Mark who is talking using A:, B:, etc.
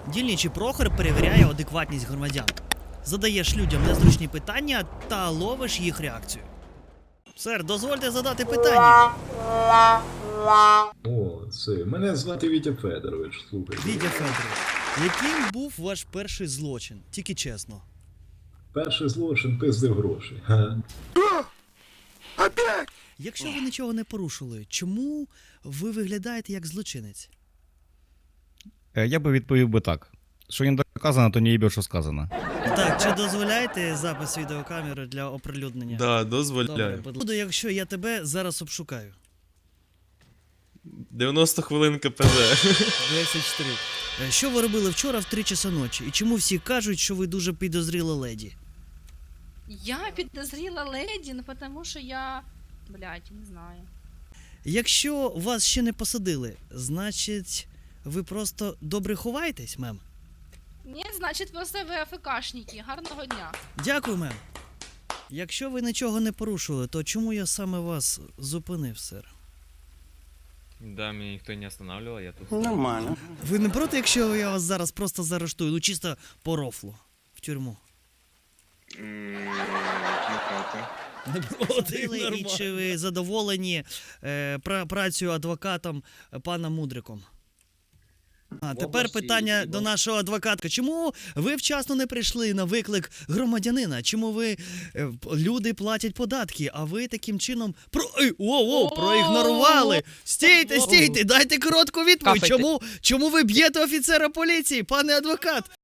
A: Дільничий Прохор перевіряє адекватність громадян. Задаєш людям незручні питання та ловиш їх реакцію. Сер, дозвольте задати питання.
B: О, це. Мене звати Вітя Федорович, слухайте.
A: Вітя Федорович, яким був ваш перший злочин? Тільки чесно.
B: Перший злочин пиздив гроші. Га.
A: Якщо ви нічого не порушили, чому ви виглядаєте як злочинець?
C: Я би відповів би так. Що не доказано, то не їбе, що сказано.
A: Так, чи дозволяєте запис відеокамери для оприлюднення?
D: Да,
A: Добре,
D: дозволяю.
A: буду, якщо я тебе зараз обшукаю.
D: 90 хвилин КПЗ.
A: 10-3. Що ви робили вчора в 3 часа ночі? І чому всі кажуть, що ви дуже підозріла леді?
E: Я підозріла леді, ну потому що я... Блядь, не знаю.
A: Якщо вас ще не посадили, значить, ви просто добре ховаєтесь, мем?
E: Ні, значить, просто ви АФКшники. Гарного дня.
A: Дякую, мем. Якщо ви нічого не порушили, то чому я саме вас зупинив, сер?
F: Да, меня никто не останавливал, я тут.
G: Нормально.
A: Ви не проти, якщо я вас зараз просто заарештую, ну чисто по рофлу, в тюрму? Не проти, і чи ви задоволені працею адвокатом пана Мудриком? А тепер питання до нашого адвоката. Чому ви вчасно не прийшли на виклик громадянина? Чому ви люди платять податки, а ви таким чином проігнорували? Стійте, дайте коротку відповідь. Чому ви б'єте офіцера поліції, пане адвокат?